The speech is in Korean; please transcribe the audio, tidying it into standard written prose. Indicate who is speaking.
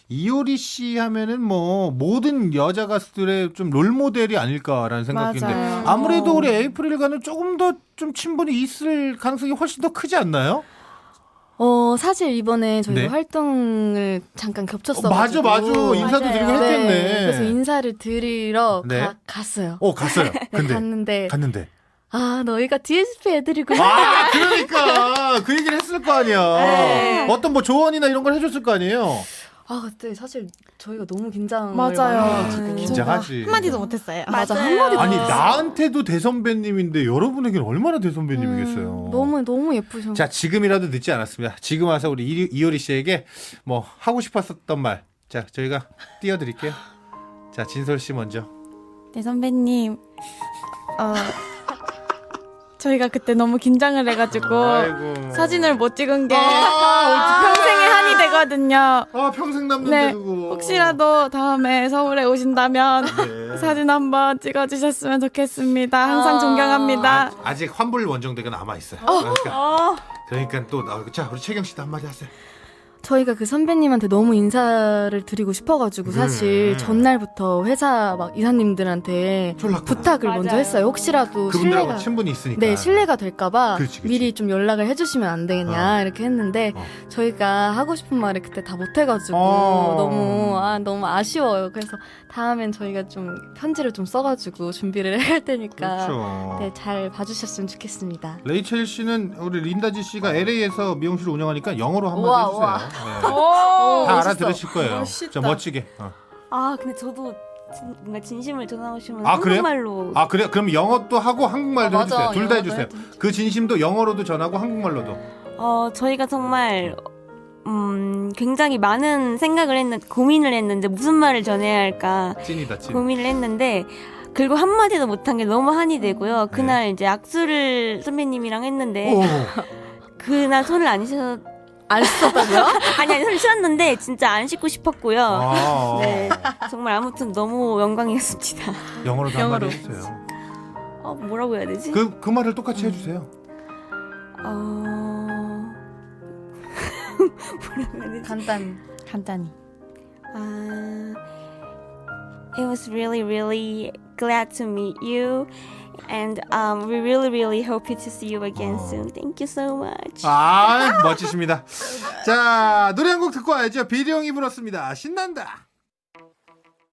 Speaker 1: 이효리 씨 하면은 뭐 모든 여자 가수들의 좀 롤모델이 아닐까라는 생각인데
Speaker 2: 맞아요.
Speaker 1: 아무래도 우리 에이프릴과는 조금 더 좀 친분이 있을 가능성이 훨씬 더 크지 않나요?
Speaker 2: 사실 이번에 저희가
Speaker 1: 네.
Speaker 2: 활동을 잠깐 겹쳤어가지고.
Speaker 1: 맞아 인사도
Speaker 3: 맞아요.
Speaker 1: 드리고
Speaker 2: 네,
Speaker 1: 했겠네.
Speaker 2: 그래서 인사를 드리러
Speaker 1: 네.
Speaker 2: 갔어요.
Speaker 1: 갔어요.
Speaker 2: 네, 갔는데 너희가 DSP 애들이구나.
Speaker 1: 그러니까 그 얘기를 했을 거 아니야.
Speaker 2: 네.
Speaker 1: 어떤 뭐 조언이나 이런 걸 해줬을 거 아니에요.
Speaker 2: 그때 사실 저희가 너무 긴장을
Speaker 3: 맞아요.
Speaker 2: 많이 해가지고.
Speaker 1: 긴장하지.
Speaker 3: 한마디도 못했어요.
Speaker 2: 맞아,
Speaker 3: 맞아요.
Speaker 2: 한마디도
Speaker 1: 아니
Speaker 2: 못했어요.
Speaker 1: 나한테도 대선배님인데 여러분에게는 얼마나 대선배님이겠어요.
Speaker 2: 너무 예쁘셔.
Speaker 1: 자 지금이라도 늦지 않았습니다. 지금 와서 우리 이효리 씨에게 뭐 하고 싶었던 말, 자 저희가 띄워드릴게요. 자 진솔 씨 먼저.
Speaker 3: 네 선배님, 저희가 그때 너무 긴장을 해가지고
Speaker 1: 아이고.
Speaker 3: 사진을 못 찍은 게
Speaker 1: 어떡해.
Speaker 3: 평생의 한이 되거든요.
Speaker 1: 평생 남는데
Speaker 3: 네,
Speaker 1: 그거.
Speaker 3: 혹시라도 다음에 서울에 오신다면
Speaker 1: 네.
Speaker 3: 사진 한번 찍어주셨으면 좋겠습니다. 항상 존경합니다.
Speaker 1: 아직 환불 원정대가 남아 있어요. 그러니까 또 자 우리 채경 씨도 한마디 하세요.
Speaker 2: 저희가 그 선배님한테 너무 인사를 드리고 싶어가지고 사실 전날부터 회사 막 이사님들한테
Speaker 1: 연락
Speaker 2: 부탁을
Speaker 3: 맞아요.
Speaker 2: 먼저 했어요. 혹시라도
Speaker 1: 그분들하고
Speaker 2: 신뢰가
Speaker 1: 친분이 있으니까.
Speaker 2: 네, 신뢰가 될까봐
Speaker 1: 그렇지.
Speaker 2: 미리 좀 연락을 해주시면 안 되겠냐 이렇게 했는데 저희가 하고 싶은 말을 그때 다 못해가지고 너무 아쉬워요. 그래서 다음엔 저희가 좀 편지를 좀 써가지고 준비를 해야 할 테니까
Speaker 1: 그렇죠.
Speaker 2: 네, 잘 봐주셨으면 좋겠습니다.
Speaker 1: 레이첼 씨는 우리 린다지 씨가 LA에서 미용실을 운영하니까 영어로 한마디
Speaker 2: 우와,
Speaker 1: 해주세요.
Speaker 2: 우와.
Speaker 1: 네.
Speaker 3: 오,
Speaker 1: 다
Speaker 2: 멋있어.
Speaker 1: 알아들으실 거예요.
Speaker 3: 멋있다.
Speaker 1: 자 멋지게.
Speaker 4: 근데 저도 뭔가 진심을 전하시면
Speaker 1: 그래요?
Speaker 4: 한국말로
Speaker 1: 그래요? 그럼 영어도 하고 한국말도
Speaker 2: 맞아.
Speaker 1: 해주세요. 둘 다
Speaker 2: 영어도
Speaker 1: 해주세요. 그 진심도 영어로도 전하고 한국말로도.
Speaker 4: 저희가 정말 굉장히 많은 고민을 했는데 무슨 말을 전해야 할까
Speaker 1: 찐이다 찐.
Speaker 4: 고민을 했는데 결국 한마디도 못한 게 너무 한이 되고요. 그날 이제 악수를 선배님이랑 했는데
Speaker 1: 오.
Speaker 4: 그날 손을 안 씻어
Speaker 2: 안 썼다고요?
Speaker 4: 아니 손을 씻었는데 진짜 안 씻고 싶었고요.
Speaker 1: 아.
Speaker 4: 네, 정말 아무튼 너무 영광이었습니다.
Speaker 1: 영어로도 한마디 해주세요.
Speaker 4: 뭐라고 해야 되지?
Speaker 1: 그 말을 똑같이 해주세요.
Speaker 4: 뭐라고 해야 되지?
Speaker 2: 간단히.
Speaker 4: It was really, really glad to meet you, and we really, really hope to see you again soon. Thank you so much.
Speaker 1: 멋지십니다. 자 노래 한 곡 듣고 와야죠. 비리 형이 불렀습니다. 신난다.